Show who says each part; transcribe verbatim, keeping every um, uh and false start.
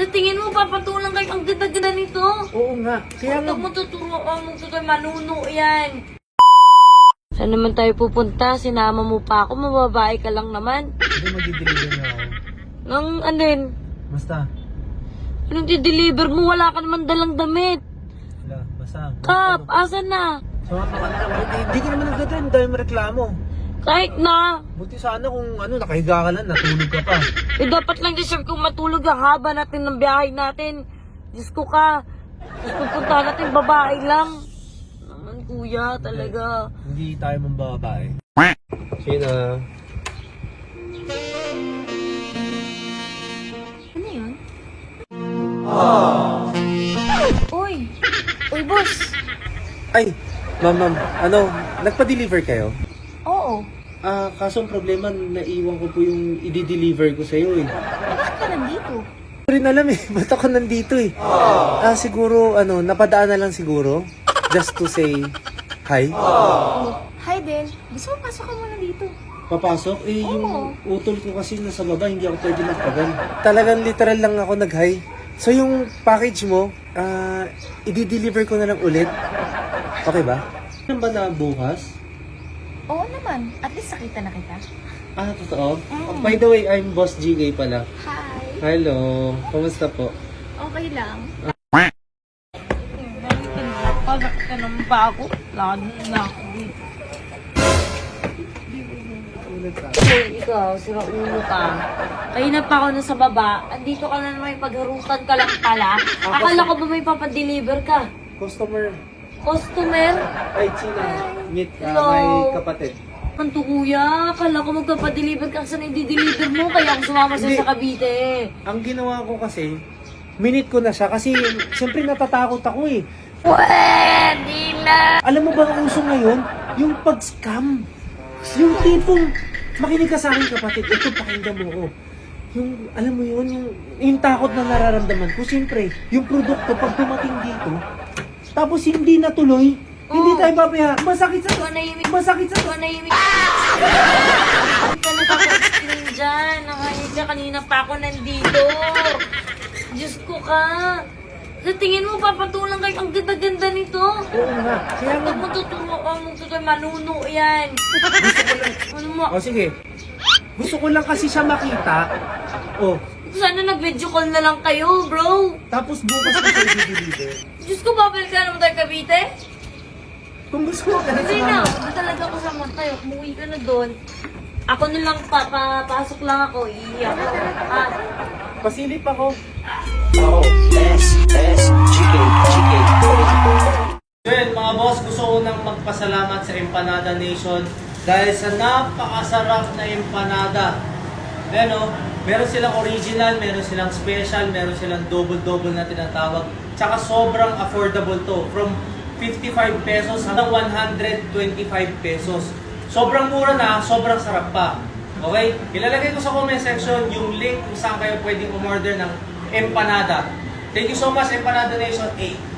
Speaker 1: Sa tingin mo, papatulang kayo ang ganda-ganda nito?
Speaker 2: Oo nga. Kaya nga,
Speaker 1: Huwag mo tuturuan mo ito, manuno yan. Saan naman tayo pupunta? Sinama mo pa ako, mababae ka lang naman.
Speaker 2: hindi mag-deliver na ako.
Speaker 1: Nang ano yun?
Speaker 2: Basta.
Speaker 1: Anong di-deliver mo? Wala ka naman dalang damit.
Speaker 2: Wala, basta.
Speaker 1: Kap, asan na?
Speaker 2: Sumama ka na lang. Hindi, hindi ka naman nagdadrive. Dahil may reklamo.
Speaker 1: Kahit na.
Speaker 2: Buti sana kung ano, nakahiga ka lang, natulog ka pa.
Speaker 1: Eh, dapat lang deserve kong matulog ang haba natin ng biyahe natin. Diyos ko ka. Diyos ko punta natin, babae lang. Naman kuya, talaga.
Speaker 2: Hindi tayo mambabae. Sina?
Speaker 1: Ano yun? Oh. Uy! Uy, boss!
Speaker 2: Ay, ma'am, ma'am, ano, nagpa-deliver kayo?
Speaker 1: Oo.
Speaker 2: Ah, kaso ang problema, naiwan ko po yung i-deliver ko sa'yo eh.
Speaker 1: Bakit ka nandito?
Speaker 2: Hindi ko rin alam eh, ba't ako nandito eh? Ah, siguro, ano, napadaan na lang siguro. Just to say hi.
Speaker 1: Oh. Hi, Ben. Gusto mo pasok ka muna dito?
Speaker 2: Papasok? Eh, yung utol ko kasi nasa baba, hindi ako pwede magtagal. Talagang literal lang ako nag-hi. So yung package mo, ah, i-deliver ko na lang ulit. Okay ba? Ano ba na bukas?
Speaker 1: Oo naman. At least nakita na kita.
Speaker 2: Ah, totoo? Oh, by the way, I'm Boss G K pala.
Speaker 1: Hi.
Speaker 2: Hello, kumusta po?
Speaker 1: Okay lang. Pagkat ka naman ba ako? Lalo na ako dito. Uy, ikaw, sira ulo ka. Kanina pa ako nasa baba. Andito ka na naman, pagharutan ka lang pala. Akala ko ba may papadeliver ka?
Speaker 2: Customer.
Speaker 1: Customer?
Speaker 2: Ay, China. Meet uh,
Speaker 1: Hello.
Speaker 2: my kapatid.
Speaker 1: Kanto kuya, akala ko magpapadeliver ka. Saan i-deliver mo? Kaya ako sumama sa'yo
Speaker 2: Hindi.
Speaker 1: sa Cavite.
Speaker 2: Ang ginawa ko kasi, minute ko na siya kasi siyempre natatakot ako eh.
Speaker 1: Pwede na!
Speaker 2: Alam mo ba ang uso ngayon? Yung pag-scam. Yung tipong, makinig ka sa akin kapatid, ito pakinggan mo ko. Yung, alam mo yun, yung, yung takot na nararamdaman ko, siyempre, yung produkto pag dumating dito, tapos hindi natuloy, oh. Hindi tayo babaya, masakit sa,
Speaker 1: Manahimik.
Speaker 2: masakit sa,
Speaker 1: Manahimik. Hindi ka nakaka-explain dyan. Nakahinig ka, kanina pa ako nandito. Diyos ko ka. Sa tingin mo, papatulang kayo ang ganda-ganda nito?
Speaker 2: oo nga, kaya nga,
Speaker 1: Huwag mo tuturuan mo ito, manuno yan. Ano mo?
Speaker 2: o sige, gusto ko lang kasi siya makita, oh,
Speaker 1: Sana nag-video call na lang kayo, bro.
Speaker 2: tapos bukas ko siya i-deliver.
Speaker 1: Diyos ko, babalik ka naman tayo Cavite?
Speaker 2: Kung gusto ko ka na
Speaker 1: Hindi na,
Speaker 2: sumama.
Speaker 1: hindi talaga ako sama tayo. Umuwi ka na doon. Ako na lang, papapasok lang ako. Iiyak ako. Ah,
Speaker 2: Pasilip ako.
Speaker 3: Oh, S, S, G K, G K.
Speaker 2: Well, mga boss, gusto ko nang magpasalamat sa Empanada Nation dahil sa napakasarap na empanada. Ayan o, meron silang original, meron silang special, meron silang double-double na tinatawag. Tsaka sobrang affordable to. From fifty-five pesos hanggang one hundred twenty-five pesos. Sobrang mura na, sobrang sarap pa. Okay? Ilalagay ko sa comment section yung link kung saan kayo pwedeng umorder ng empanada. Thank you so much, Empanada Nation. eight.